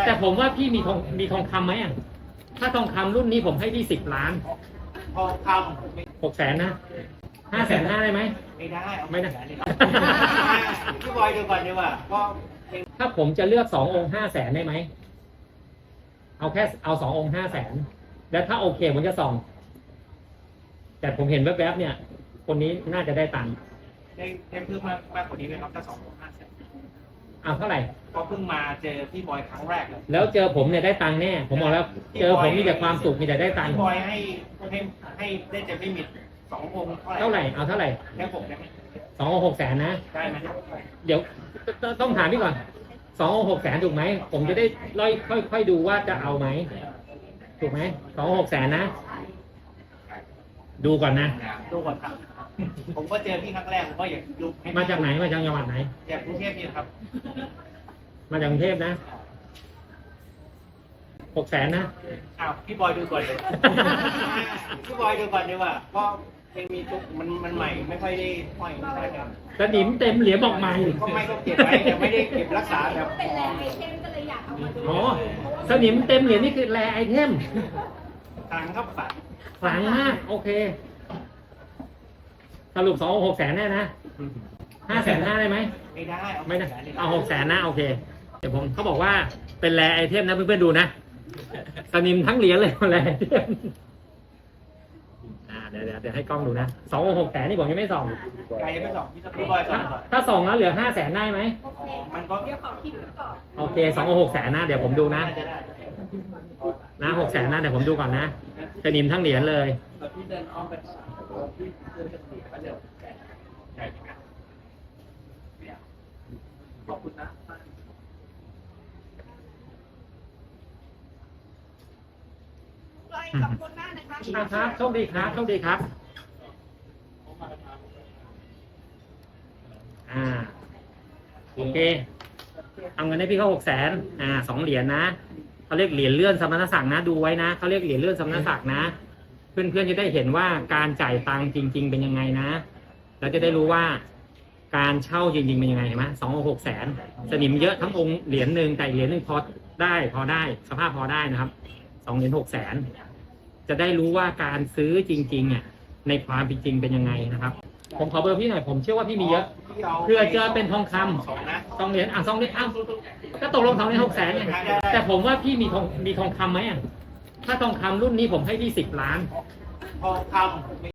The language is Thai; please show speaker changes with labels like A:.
A: แต่ผมว่าพี่มีทองคำไหมอ่ะถ้าทองคำรุ่นนี้ผมให้พี่10 ล้าน
B: ทองค
A: ำ600,000นะ550,000ได้ไหม
B: ไม่ได้
A: ไม่ได้
B: พี่บอยดูก่อนดีกว่าเพราะ
A: ถ้าผมจะเลือก2 องค์500,000ได้ไหมเอา2 องค์500,000แล้วถ้าโอเคผมจะส่องแต่ผมเห็นแวบๆเนี่ยคนนี้น่าจะได้ตังค์
B: ได้เพิ่มมากกว่านี้ไหมครับถ้า2,500,000
A: เอาเท่าไหร่
B: ก็เพิ่งมาเจอพี่บอยครั้งแรกเลย
A: แล้วเจอผมเนี่ยได้ตังค์แน่ผมบอกแล้วเจอผมมีแต่ความสุขมีแต่ได้ตังค์
B: พี่บอยให้ได้เต็มลิมิต2 องค์
A: เท่าไหร่เอาเท่าไหร่
B: แค่ผมได้ไหม
A: 2 องค์600,000นะ
B: ได้ไหม
A: เดี๋ยวต้องถามพี่ก่อน2 องค์600,000ถูกไหมผมจะได้ค่อยดูว่าจะเอาไหมถูกไหม2 องค์600,000นะดูก่อนนะ
B: ดูก่อนครับผมก็เจอพี่ครั้งแรกผมก็อยากดู
A: มาจากไหนมาจากจังหวัดไหน
B: จากกรุงเทพนี่ครับ
A: มาจากกรุงเทพนะ600,000นะ
B: อ้าวพี่บอยดูก่อนเลยพี่บอยดูก่อนดีกว่าเพราะยังมีทุกมันใหม่ไม่ค่อยได้ห้อยใช่ครับ
A: สนิมเต็มเหรียญบอกใหม่
B: ก็ไม่ก็เก็บไว้แต่ไม่ได้เก็บรักษาแบบ
C: เป็นแรไอเทมก็เลยอยากเอามาดู
A: อ๋อสนิมเต็มเหรียญนี่คือแรไอเทม
B: คลังครับ
A: ขลังมากโอเคสรุป2 องค์600,000แน่นะ550,000ได้ไหม
B: ไม่ได้
A: ไม่ได้เอา600,000นะโอเคเดี๋ยวผมเขาบอกว่าเป็นแรไอเทมนะเพื่อนๆดูนะสนิมทั้งเหรียญเลยแรไอเทมเดี๋ยวให้กล้องดูนะ2 องค์600,000นี่ผมยังไม่ส่อง
B: ใครยังไม่ส่องพี่บอยส่องก่อน
A: ถ้าส่องแล้วเหลือ500,000ได้ไหม
B: มันก็
C: เดี๋ยวขอคิดก่อน
A: โอเค2 องค์600,000นะเดี๋ยวผมดูนะ600,000นะเดี๋ยวผมดูก่อนนะสนิมทั้งเหรียญเลย
B: พี่เดินอ้อมไปพี่เดินจะเสียก็เดี๋ยวขอบคุณนะ
C: ขอบคุณมากนะคะ
A: ครับโชคดีครับโชคดีครับโอเคเอาเงินให้พี่เขา600,0002 เหรียญนะเขาเรียกเหรียญเลื่อนสมณศักดิ์นะดูไว้นะเขาเรียกเหรียญเลื่อนสมณศักดิ์นะเพื่อนๆจะได้เห็นว่าการจ่ายตังค์จริงๆเป็นยังไงนะเราจะได้รู้ว่าการเช่าจริงๆเป็นยังไงเห็นไหม2 องค์600,000สนิมเยอะทั้งองค์เหรียญหนึ่งแต่เหรียญหนึ่งพอได้สภาพพอได้นะครับ2 เหรียญ600,000จะได้รู้ว่าการซื้อจริงๆเนี่ยในความเป็นจริงเป็นยังไงนะครับผมขอเบอร์พี่หน่อยผมเชื่อว่าพี่มีเยอะเพื่อเจอเป็นทองคำ2 เหรียญ2 เหรียญก็ตกลง2 เหรียญ600,000เนี่ยแต่ผมว่าพี่มีทองคำไหมอ่ะถ้าทองคำรุ่นนี้ผมให้พี่10 ล้าน
B: ทองคำ